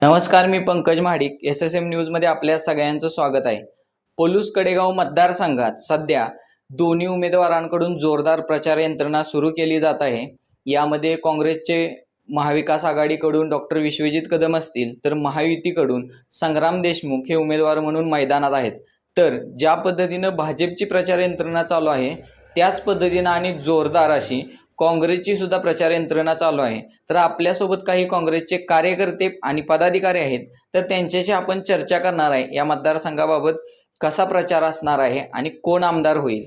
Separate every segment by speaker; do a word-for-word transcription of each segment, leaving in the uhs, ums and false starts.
Speaker 1: नमस्कार, मी Pankaj Mahadik. S S M न्यूजमध्ये आपल्या सगळ्यांचं स्वागत आहे. पलूस कडेगाव मतदारसंघात सध्या दोन्ही उमेदवारांकडून जोरदार प्रचार यंत्रणा सुरू केली जात आहे. यामध्ये काँग्रेसचे महाविकास आघाडीकडून डॉक्टर विश्वजित कदम असतील, तर महायुतीकडून संग्राम देशमुख हे उमेदवार म्हणून मैदानात आहेत. तर ज्या पद्धतीनं भाजपची प्रचार यंत्रणा चालू आहे, त्याच पद्धतीनं आणि जोरदार अशी काँग्रेसची सुद्धा प्रचार यंत्रणा चालू आहे. तर आपल्यासोबत काही काँग्रेसचे कार्यकर्ते आणि पदाधिकारी आहेत, तर त्यांच्याशी आपण चर्चा करणार आहे या मतदारसंघाबाबत कसा प्रचार असणार आहे आणि कोण आमदार होईल.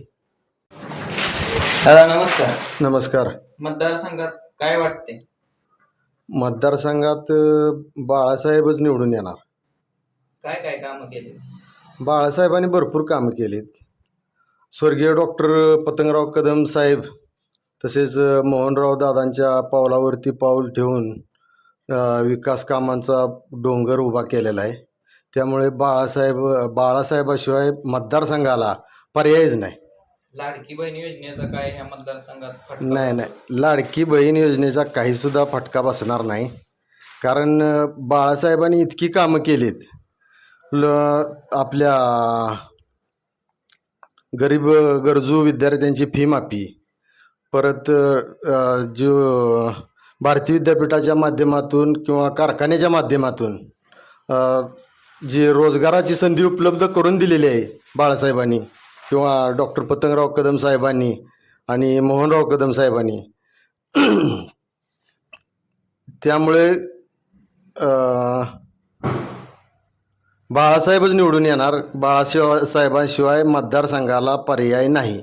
Speaker 1: दादा नमस्कार.
Speaker 2: नमस्कार.
Speaker 1: मतदारसंघात काय वाटते?
Speaker 2: मतदारसंघात बाळासाहेबच निवडून येणार.
Speaker 1: काय काय कामं केली?
Speaker 2: बाळासाहेबांनी भरपूर कामं केलीत. स्वर्गीय डॉक्टर पतंगराव कदम साहेब तसेच मोहनराव दादांच्या पावलावरती पाऊल ठेवून विकास कामांचा डोंगर उभा केलेला आहे. त्यामुळे बाळासाहेब बाळासाहेबाशिवाय मतदारसंघाला पर्यायच नाही.
Speaker 1: लाडकी बहीण योजनेचा काय ह्या मतदारसंघात फटका?
Speaker 2: नाही नाही लाडकी बहीण योजनेचा काहीसुद्धा फटका बसणार नाही. कारण बाळासाहेबांनी इतकी कामं केलीत. ल आपल्या गरीब गरजू विद्यार्थ्यांची फी माफी, परत जो भारतीय विद्यापीठाच्या माध्यमातून किंवा कारखान्याच्या माध्यमातून जी रोजगाराची संधी उपलब्ध करून दिलेली आहे बाळासाहेबांनी किंवा डॉक्टर पतंगराव कदम साहेबांनी आणि मोहनराव कदम साहेबांनी. त्यामुळे बाळासाहेबच निवडून येणार. बाळासाहेब साहेबांशिवाय मतदारसंघाला पर्याय नाही.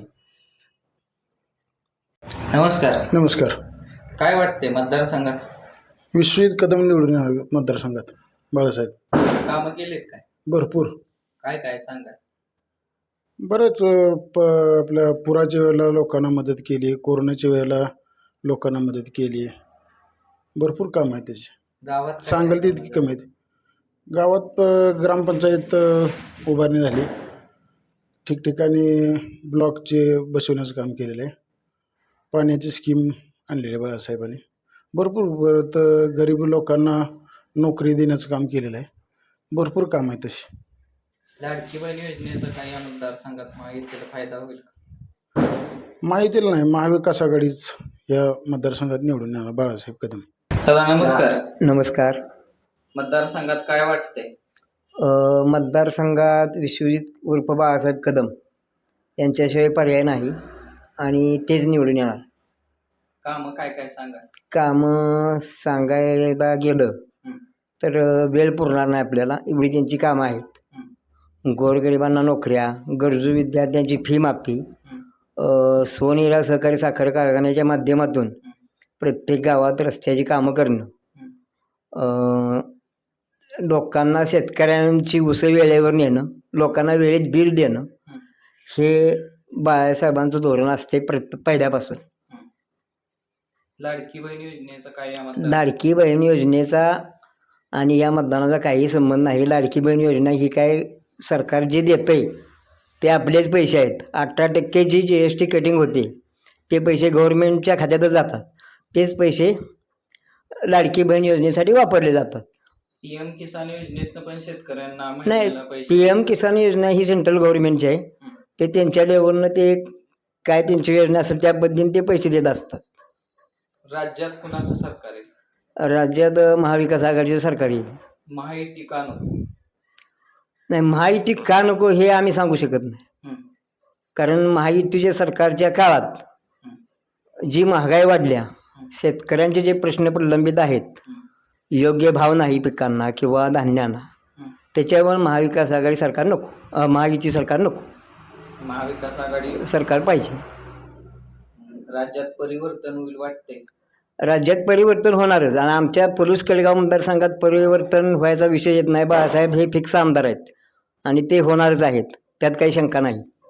Speaker 1: नमस्कार.
Speaker 3: नमस्कार.
Speaker 1: काय वाटते मतदारसंघात?
Speaker 3: विश्वजित कदम निवडून येणार मतदारसंघात. बाळासाहेब
Speaker 1: कामं केलीत काय?
Speaker 3: भरपूर.
Speaker 1: काय काय सांगा?
Speaker 3: बरेच प आपल्या पुराच्या वेळेला लोकांना मदत केली, कोरोनाच्या वेळेला लोकांना मदत केली. भरपूर काम आहे त्याची.
Speaker 1: गावात
Speaker 3: सांगाल ते इतकी कमी आहेत. गावात ग्रामपंचायत उभारणी झाली, ठिकठिकाणी ब्लॉकचे बसवण्याचं काम केलेलं आहे. पाण्याची स्कीम आणलेली आहे बाळासाहेबांनी. भरपूर परत गरीब लोकांना नोकरी देण्याचं काम केलेलं आहे. भरपूर काम आहे तशी.
Speaker 1: लाडकी बहीण योजनेचा काही या मतदारसंघात माहितीला फायदा होईल का?
Speaker 3: माहितीला नाही, महाविकास आघाडीच या मतदारसंघात निवडून येणार बाळासाहेब कदम.
Speaker 1: दादा नमस्कार.
Speaker 4: नमस्कार.
Speaker 1: मतदारसंघात काय वाटते?
Speaker 4: मतदारसंघात विश्वजित उर्फ बाळासाहेब कदम यांच्याशिवाय पर्याय नाही आणि तेच निवडून येणार.
Speaker 1: कामं काय काय सांगा?
Speaker 4: कामं सांगायला गेलं
Speaker 1: हं.
Speaker 4: तर वेळ पुरणार नाही आपल्याला, एवढी त्यांची कामं आहेत. गोरगरिबांना नोकऱ्या, गरजू विद्यार्थ्यांची फी माफी, सोनेरा सहकारी साखर कारखान्याच्या माध्यमातून प्रत्येक गावात रस्त्याची कामं करणं, लोकांना शेतकऱ्यांची उसळ वेळेवर नेणं, लोकांना वेळेत बिल देणं, हे बाळासाहेबांचं धोरण असते प्रत्येक पहिल्यापासून.
Speaker 1: लाडकी बहीण योजनेचा काय या मतदार
Speaker 4: लाडकी बहीण योजनेचा आणि या मतदानाचा काही संबंध नाही. लाडकी बहीण योजना ही काय सरकार जे देतं आहे ते आपलेच पैसे आहेत. अठरा टक्के G G S T cutting होते ते पैसे गव्हर्नमेंटच्या खात्यातच जातात. तेच पैसे लाडकी बहीण योजनेसाठी वापरले जातात.
Speaker 1: पी एम किसान योजनेतनं पण शेतकऱ्यांना
Speaker 4: नाही,
Speaker 1: महिन्याला पैसे
Speaker 4: पी एम किसान योजना ही सेंट्रल गव्हर्नमेंटची आहे. ते त्यांच्या लेवलनं ते काय त्यांची योजना असेल त्या पद्धतीने ते पैसे देत असतात.
Speaker 1: राज्यात कुणाचं सरकार आहे?
Speaker 4: राज्यात महाविकास आघाडीचं सरकार येईल.
Speaker 1: महायुती का नको?
Speaker 4: नाही, महायुती का नको हे आम्ही सांगू शकत नाही. कारण महायुतीच्या सरकारच्या काळात जी महागाई वाढल्या, शेतकऱ्यांचे जे प्रश्न प्रलंबित आहेत, योग्य भाव नाही पिकांना किंवा धान्यांना, त्याच्यावर महाविकास आघाडी सरकार नको, महायुती सरकार नको,
Speaker 1: महाविकास आघाडी
Speaker 4: सरकार पाहिजे.
Speaker 1: राज्यात परिवर्तन होईल वाटते?
Speaker 4: राज्यात परिवर्तन होणारच आणि आमच्या पलूस कडेगाव मतदारसंघात परिवर्तन व्हायचा विषय येत नाही. बाळासाहेब हे फिक्स आमदार आहेत आणि ते होणारच आहेत, त्यात काही शंका नाही.